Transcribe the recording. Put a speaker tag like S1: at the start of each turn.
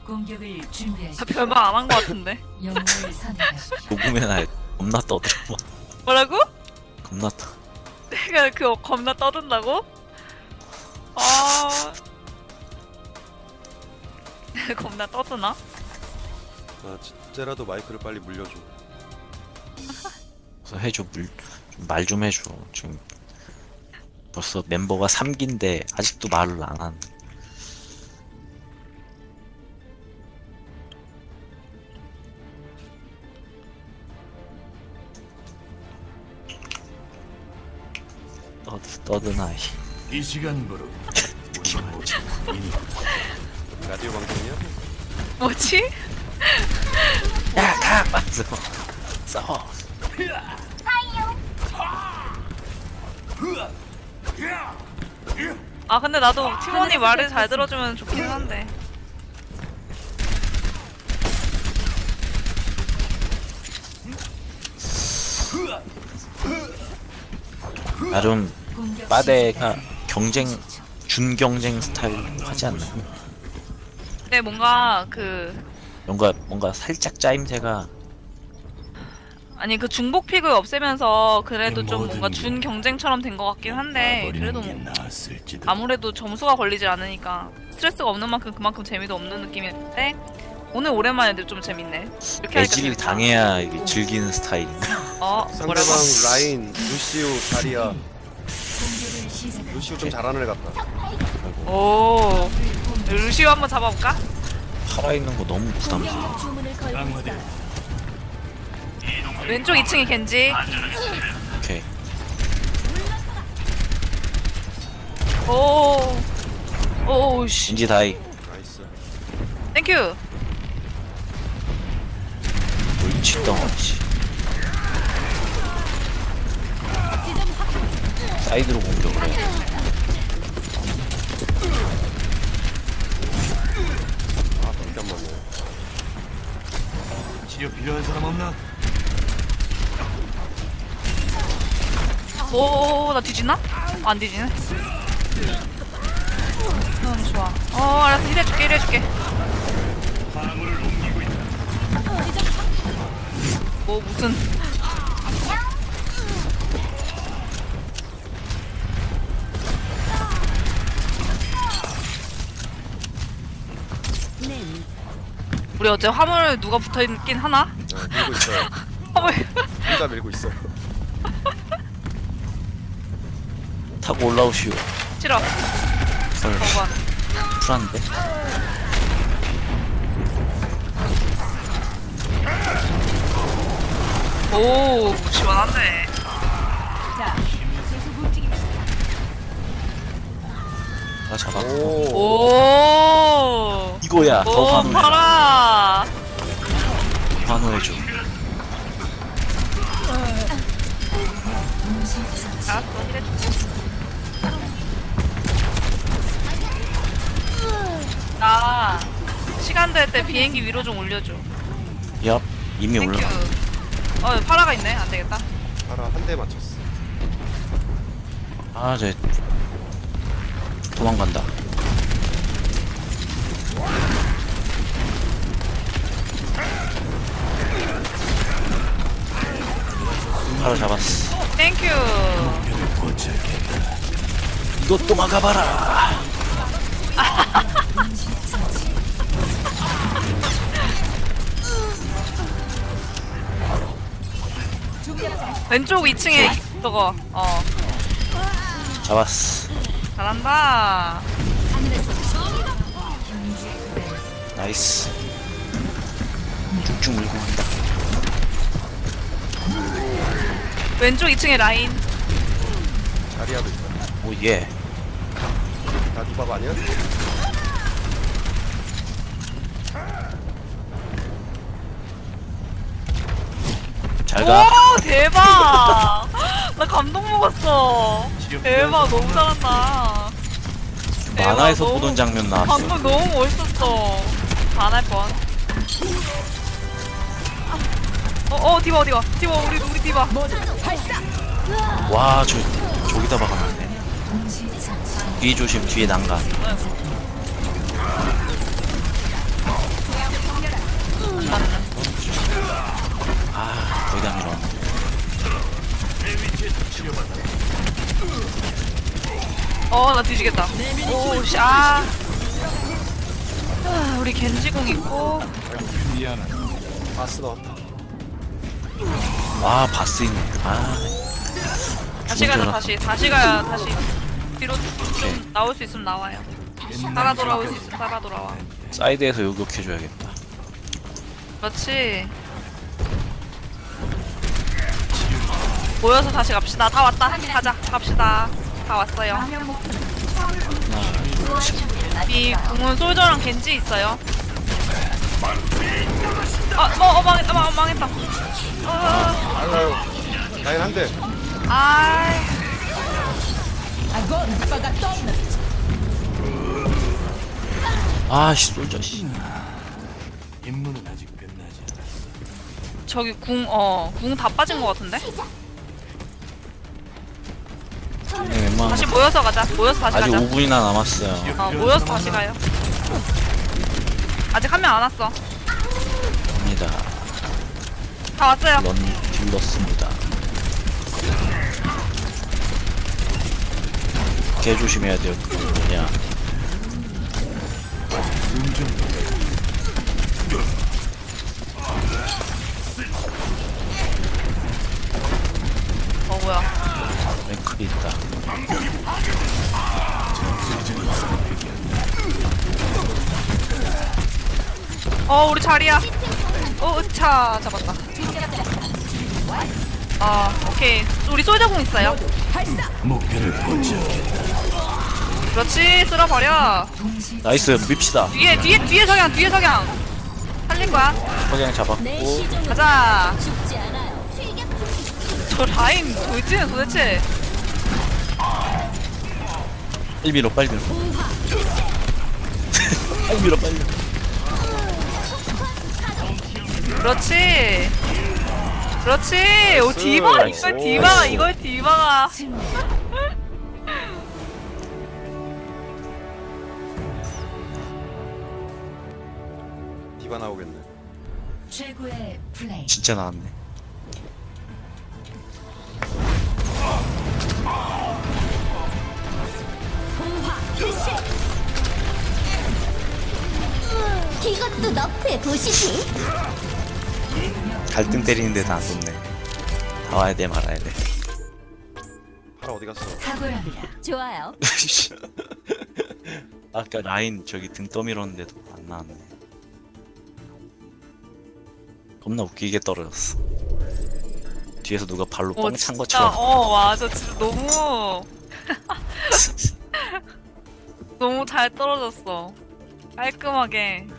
S1: 공격을 준비하십시오.
S2: 별말 안 한 것 같은데.
S1: 영웅을 선택하십시오.
S3: 녹음해놔. 겁나 떠들어.
S2: 뭐라고?
S3: 겁나 떠.
S2: 내가 그거 겁나 떠든다고? 아. 겁나 떠드나?
S4: 아 진짜라도 마이크를 빨리 물려줘.
S3: 그래서 해줘. 말 좀 해줘. 지금 벌써 멤버가 3기인데 아직도 말을 안 하는. 떠드나.
S5: 이 시간부로
S4: 라디오 방송이야?
S2: 뭐지?
S3: 야, 가! 맞어. 싸워.
S2: 아 근데 나도 팀원이 말을 잘 들어주면 좋긴 한데.
S3: 나름
S1: 공격
S3: 빠데가
S1: 시작까지
S3: 경쟁, 준경쟁 스타일 하지 않나요?
S2: 근데 뭔가
S3: 뭔가 살짝 짜임새가.
S2: 아니 그 중복 픽을 없애면서 그래도 좀
S5: 모든
S2: 뭔가
S5: 게
S2: 준 경쟁처럼 된 것 같긴 한데 그래도
S5: 버리는 게 나았을지도.
S2: 아무래도 점수가 걸리지 않으니까 스트레스가 없는 만큼 그만큼 재미도 없는 느낌인데 오늘 오랜만에 좀 재밌네. 이렇게 하니까
S3: 애질
S2: 재밌다.
S3: 당해야 이게 즐기는 스타일인가?
S2: 뭐라고?
S4: 상대방 라인 루시우 자리야.
S1: 공격을 시작합니다.
S4: 루시우 좀 잘하는 애 같다.
S2: 오 루시오 한번 잡아볼까?
S3: 살아있는 거 너무 부담스러워.
S5: 강화돼.
S2: 왼쪽 2층이 겐지.
S3: 오케이.
S2: 오씨
S3: 인지 다이.
S4: 나이스.
S2: 땡큐.
S3: 물치덩어리. 사이드로 공격을 해.
S4: 아 잠깐만요.
S5: 치료 필요한 사람 없나?
S2: 오나 뒤지나? 안 뒤지네. 좋아. 알았어 힐해줄게. 뭐 무슨 우리 어제 화물 누가 붙어있긴 하나?
S4: 밀고 있어요.
S2: 화물
S4: 둘 다 밀고 있어.
S3: 타고 올라오시오.
S2: 싫어.
S3: 헐,
S2: 저건
S3: 쿨한데?
S2: 오 시원한데.
S3: 나 잡아.
S4: 오.
S2: 오.
S3: 이거야. 더
S2: 오
S3: 환호해.
S2: 팔아.
S3: 환호해줘.
S2: 알았어 힐해줄게. 나 시간 될 때 비행기 위로 좀 올려줘.
S3: 얍. 이미
S2: 땡큐.
S3: 올라.
S2: 파라가 있네. 안 되겠다.
S4: 파라 한 대 맞췄어.
S3: 아, 쟤 도망간다. 바로 잡았어.
S2: 땡큐.
S3: 이것도 막아봐라.
S2: 왼쪽 2층에 저거.
S3: 잡았어.
S2: 잘한다.
S3: 나이스. 쭉쭉 물고 간다.
S2: 왼쪽 2층에 라인.
S4: 자리야도 있다.
S3: 오, 예.
S4: 나 디밥 아니야?
S3: 잘 가.
S2: 오 대박. 나 감동 먹었어. 대박 너무 잘한다. 대박,
S3: 만화에서
S2: 너무-
S3: 보던 장면 나왔어.
S2: 방금 너무 멋있었어. 반할 뻔. 디바 어디가? 디바 우리 디바.
S3: 와, 저기다 박았네. 뒤에 조심, 뒤에 난간.
S2: 뒤지겠다. 오씨 아. 우리 겐지궁 있고
S4: 바스 넣었다.
S3: 아 바스 있네. 아
S2: 다시 가자
S3: 줄
S2: 다시 가야 다시 뒤로 좀 나올 수 있으면 나와요. 살아 돌아올 수 있으면 살아 돌아와.
S3: 사이드에서 요격해줘야겠다.
S2: 그렇지. 모여서 다시 갑시다. 다 왔다. 가자. 갑시다. 다 왔어요.
S3: 하나 둘 셋.
S2: 이 궁은 솔저랑 겐지 있어요. 망했다.
S4: 아유, 라인 한 대.
S2: 아이.
S3: 아씨 솔저 씨.
S5: 임무는 아직 끝나지 않았어.
S2: 저기 궁 다 빠진 것 같은데?
S3: 네, 웬만하면
S2: 다시 모여서 가자. 모여서 다시
S3: 아직
S2: 가자.
S3: 5분이나 남았어요.
S2: 모여서 다시 가요. 아직 한 명 안 왔어.
S3: 갑니다.
S2: 다 왔어요.
S3: 딜렀습니다. 개 조심해야 돼요. 그 뭐냐.
S2: 뭐야?
S3: 랭클이 있다.
S2: 우리 자리야. 차 잡았다. 오케이. 우리 솔저공 있어요.
S5: 목표를 포착했다.
S2: 그렇지. 쓸어버려.
S1: 동시
S3: 나이스 밉시다.
S2: 뒤에 석양. 살린 거야.
S3: 석양 잡았고
S2: 가자. 저 라인 도대체
S3: 1미로 빨리 밀어. 빨리 밀어 빨리.
S2: 그렇지. 오 이걸 디바가.
S1: 승리.
S4: 디바 나오겠네.
S1: 최고의 플레이.
S3: 진짜 나왔네.
S6: 이것도 너프의 도시지.
S3: 갈등 때리는데도 안 좋네. 다 와야 돼 말아야 돼.
S4: 파라 어디 갔어?
S1: 탁월합니다.
S6: 좋아요.
S3: 아까 라인 저기 등 떠밀었는데도 안 나왔네. 겁나 웃기게 떨어졌어. 뒤에서 누가 발로 뻥 찬 것처럼.
S2: 맞아. 진짜 너무 너무 잘 떨어졌어. 깔끔하게.